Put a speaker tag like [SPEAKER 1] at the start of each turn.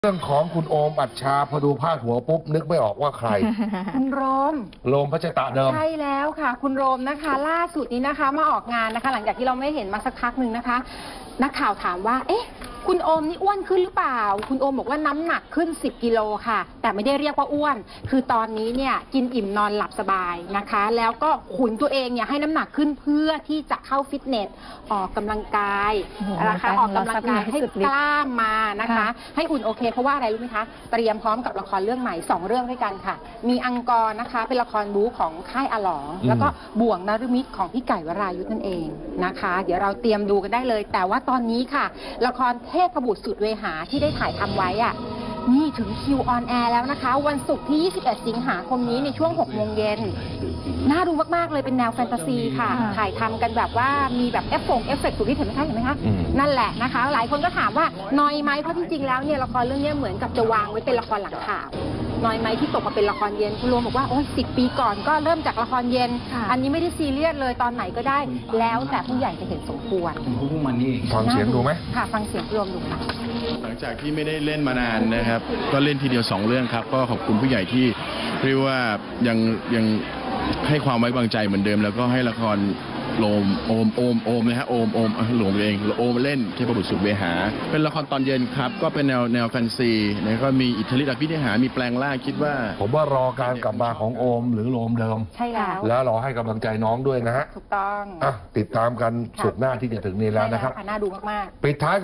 [SPEAKER 1] เรื่องของคุณโอมอัชชาพอดูพาดหัวปุ๊บนึกไม่ออกว่าใคร
[SPEAKER 2] คุณโรม
[SPEAKER 1] โรมพัชตะเดิม
[SPEAKER 2] ใช่แล้วค่ะ คุณโรมนะคะ ล่าสุดนี้นะคะมาออกงานนะคะ หลังจากที่เราไม่เห็นมาสักพักหนึ่งนะคะ นักข่าวถามว่าเอ๊ะคุณโอมนี่อ้วนขึ้นหรือเปล่าคุณโอมบอกว่าน้ำหนักขึ้น10 กิโลค่ะแต่ไม่ได้เรียกว่าอ้วนคือตอนนี้เนี่ยกินอิ่มนอนหลับสบายนะคะแล้วก็ขุนตัวเองเนี่ยให้น้ำหนักขึ้นเพื่อที่จะเข้าฟิตเนสออกกำลังกายนะคะออกกำลังกายให้กล้ามมานะคะให้อุ่นโอเคเพราะว่าอะไรรู้ไหมคะเตรียมพร้อมกับละครเรื่องใหม่2เรื่องด้วยกันค่ะมีอังกอร์นะคะเป็นละครบู๊ของค่ายอลองแล้วก็บ่วงนฤมิตของพี่ไก่วรายุทธนั่นเองนะคะเดี๋ยวเราเตรียมดูกันได้เลยแต่ว่าตอนนี้ค่ะละครเทพบุตรสุดเวหาที่ได้ถ่ายทำไว้อ่ะนี่ถึงคิวออนแอร์แล้วนะคะวันศุกร์ที่ 21 สิงหาคมนี้ในช่วง 6 โมงเย็นน่าดูมากๆเลยเป็นแนวแฟนตาซีค่ะถ่ายทำกันแบบว่ามีแบบเอฟเฟกต์สุดที่เห็นไหมคะนั่นแหละนะคะหลายคนก็ถามว่านอยไหมเพราะจริงๆแล้วเนี่ยละครเรื่องนี้เหมือนกับจะวางไว้เป็นละครหลังข่าวน้อยไหมที่ตกมาเป็นละครเย็นคุณรวมบอกว่าโอ้ย10 ปีก่อนก็เริ่มจากละครเย็นอันนี้ไม่ได้ซีเรียสเลยตอนไหนก็ได้แล้วแต่ผู้ใหญ่จะเห็นสมควร
[SPEAKER 1] ฟังเสียงดูไหม
[SPEAKER 2] ค่ะฟังเสียงรวมดูค่ะ
[SPEAKER 3] หลังจากที่ไม่ได้เล่นมานานนะครับก็เล่นทีเดียว2เรื่องครับก็ขอบคุณผู้ใหญ่ที่เรียกว่ายังให้ความไว้วางใจเหมือนเดิมแล้วก็ให้ละครโอมนะฮะโอมหลงเองโอมเล่นเทพบุตรสุดเวหาเป็นละครตอนเย็นครับก็เป็นแนวแฟนซีนะก็มีอิทธิฤทธิ์อภินิหารมีแปลงร่างคิดว่า
[SPEAKER 1] ผมว่ารอการกลับมาของโอมหรือโรมเดิม
[SPEAKER 2] ใช่
[SPEAKER 1] แล้วรอให้กำลังใจน้องด้วยนะฮะ
[SPEAKER 2] ถูกต้อง
[SPEAKER 1] ติดตามกันศุกร์หน้าที่จะถึงนี้แล้วนะครับ
[SPEAKER 2] น่าดูมากๆ
[SPEAKER 1] ปิดท้าย